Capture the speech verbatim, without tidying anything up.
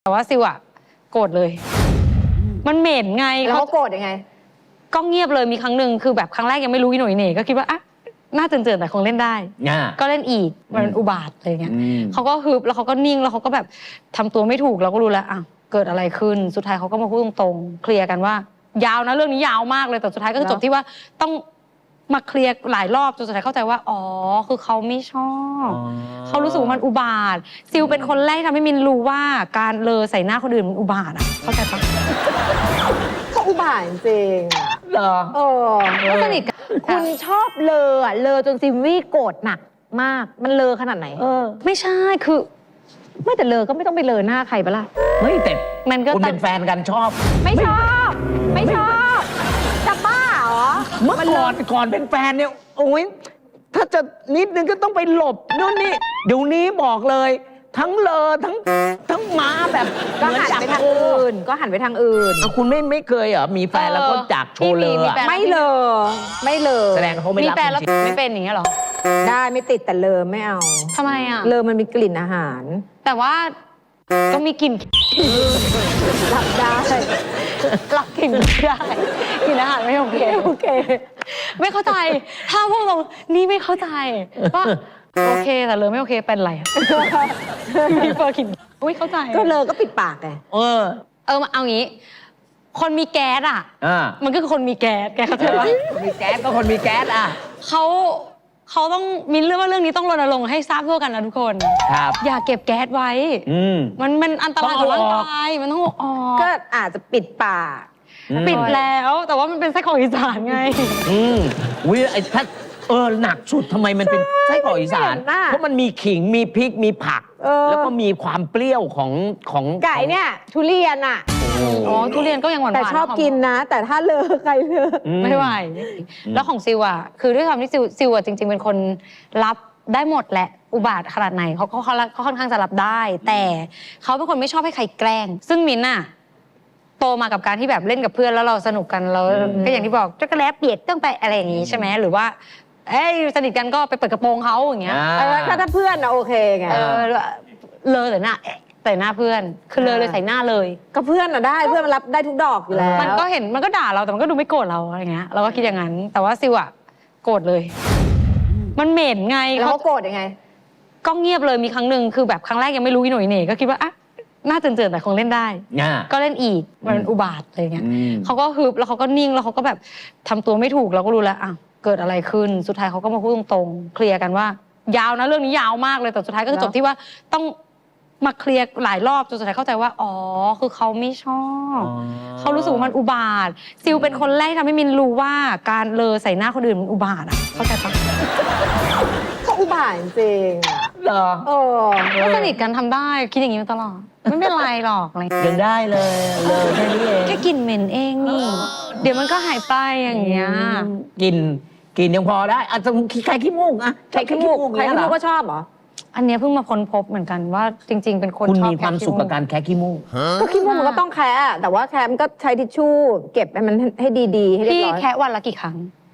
แต่ว่าซิวอะโกรธเลย มันเหม็นไงแล้วเขาโกรธยังไงก็เงียบเลยมีครั้งหนึ่งคือแบบครั้งแรกยังไม่รู้อีหน่อยเหน่ก็คิดว่าอ่ะน่าเจือนๆแต่คงเล่นได้ก็เล่นอีกมันอุบาทอะไรเงี้ยเขาก็ฮึบแล้วเขาก็นิ่งแล้วเขาก็แบบทำตัวไม่ถูกเราก็รู้แล้วอ่ะเกิดอะไรขึ้นสุดท้ายเขาก็มาพูดตรงๆเคลียร์กันว่ายาวนะเรื่องนี้ยาวมากเลยแต่สุดท้ายก็จบที่ว่าต้องมาเคลียร์หลายรอบจนสุดท้ายเข้าใจว่าอ๋อคือเขาไม่ชอบเขารู้สึกว่ามันอุบาทซิลเป็นคนแรกทำให้มินรู้ว่าการเลอใส่หน้าคนอื่นมันอุบาทอ่ะเข้าใจปะก็อุบาทจริงเหรอเออก็สนิทกันคุณชอบเลออ่ะเลอจนซิมวี่โกรธหนักมากมันเลอขนาดไหนเออไม่ใช่คือไม่แต่เลอก็ไม่ต้องไปเลอหน้าใครปะล่ะเฮ้ยแต่มันก็คุณเป็นแฟนกันชอบไม่ชอบไม่ชอบจะบ้าเหรอเมื่อก่อนก่อนเป็นแฟนเนี่ยโอ้ยถ้าจะนิดนึงก็ต้องไปหลบนู่นนี่เดี๋ยวนี้บอกเลยทั้งเลอทั้งทั้งม้าแบบก็หันไปทางอื่นก็หันไปทางอื่นคุณไม่ไม่เคยเหรอมีแฟนแล้วก็จากโชว์เลยไม่เลอไม่เลอแสดงเขาไม่รับมีแฟนแล้วไม่เป็นอย่างเงี้ยหรอได้ไม่ติดแต่เลอไม่เอาทำไมอ่ะเลอมันมีกลิ่นอาหารแต่ว่าก็มีกลิ่นรับได้รับกลิ่นได้กลิ่นอาหารไม่โอเคโอเคไม่เข้าใจถ้าพวกเรานี่ไม่เข้าใจว่าโอเคแต่เลยไม่โอเคเป็นไรมีเฟอร์กินไม่เข้าใจก็เลยก็ปิดปากไงเออเออเอางี้คนมีแก๊สอ่ะมันก็คือคนมีแก๊สแกเข้าใจป่ะมีแก๊สก็คนมีแก๊สอ่ะเขาเขาต้องมีเรื่องว่าเรื่องนี้ต้องรณรงค์ให้ทราบทั่วกันนะทุกคนครับอย่าเก็บแก๊สไว้มันมันอันตรายต่อร่างกายมันต้องออกก็อาจจะปิดปากปิดแล้วแต่ว่ามันเป็นไส้กรอกอีสานไงอืมวิไอ้ถ้าเออหนักสุดทำไมมันเป็นไส้กรอกอีสานเพราะมันมีขิงมีพริกมีผักแล้วก็มีความเปรี้ยวของของไก่เนี่ยทุเรียนอ่ะอ๋อทุเรียนก็ยังหวานๆแต่ชอบกินนะแต่ถ้าเลอใครเลอไม่ไหวแล้วของซิวอ่ะคือด้วยความที่ซิวซิวอ่ะจริงๆเป็นคนรับได้หมดแหละอุบาทขนาดไหนเขาเขาเขาค่อนข้างจะรับได้แต่เขาเป็นคนไม่ชอบให้ใครแกล้งซึ่งมินน่ะโตมากับการที่แบบเล่นกับเพื่อนแล้วเราสนุกกันเราก็อย่างที่บอกจักรแล้เปียกต้องไปอะไรอย่างงี้ใช่ไหมหรือว่าเอ้ยสนิทกันก็ไปเปิดกระโปรงเขาอย่างเงี้ยถ้าถ้าเพื่อนนะโอเคไงเออเลยแต่หน้าใส่หน้าเพื่อนคือเลยเลยใส่หน้าเลยก็เพื่อนอะได้เพื่อนมันรับได้ทุกดอกอยู่แล้วมันก็เห็นมันก็ด่าเราแต่มันก็ดูไม่โกรธเราอะไรเงี้ยเราก็คิดอย่างนั้นแต่ว่าซิวอะโกรธเลยมันเหม็นไงแล้วเขาโกรธยังไงก็เงียบเลยมีครั้งหนึ่งคือแบบครั้งแรกยังไม่รู้อีหน่อยเหน่ก็คิดว่าอ่ะน่าเจือนๆแต่คงเล่นได้ก็เล่นอีกมันอุบาทอะไรเงี้ยเขาก็ฮึบแล้วเขาก็นิ่งแล้วเขาก็แบบทำตัวไม่ถูกเราก็รู้แล้วอ่ะเกิดอะไรขึ้นสุดท้ายเขาก็มาพูดตรงๆเคลียร์กันว่ายาวนะเรื่องนี้ยาวมากเลยแต่สุดท้ายก็จบที่ว่าต้องมาเคลียร์หลายรอบจนสุดท้ายเข้าใจว่าอ๋อคือเขาไม่ชอบเขารู้สึกว่ามันอุบาทซิลเป็นคนแรกทำให้มินรู้ว่าการเลอใส่หน้าคนอื่นมันอุบาทอ่ะเข้าใจปะก็อุบาทจริงเหรอเออก็สนิทกันทำได้คิดอย่างนี้มาตลอดไม่เป็นไรหรอกอะไรยังได้เลยเลยแค่นี้เองแค่กลิ่นเหม็นเองนี่เดี๋ยวมันก็หายไปอย่างเงี้ยกินกินยังพอได้อาจจะใครขี้มูกอะใครขี้มูกใครขี้มูกก็ชอบเหรออันนี้เพิ่งมาค้นพบเหมือนกันว่าจริงๆเป็นคนชอบคุณมีความสุขกับการแคะขี้มูกก็ขี้มูกมันก็ต้องแคะแต่ว่าแคะมันก็ใช้ทิชชู่เก็บให้มันให้ดีๆให้เรียบร้อยพี่แคะวันละกี่ครั้ง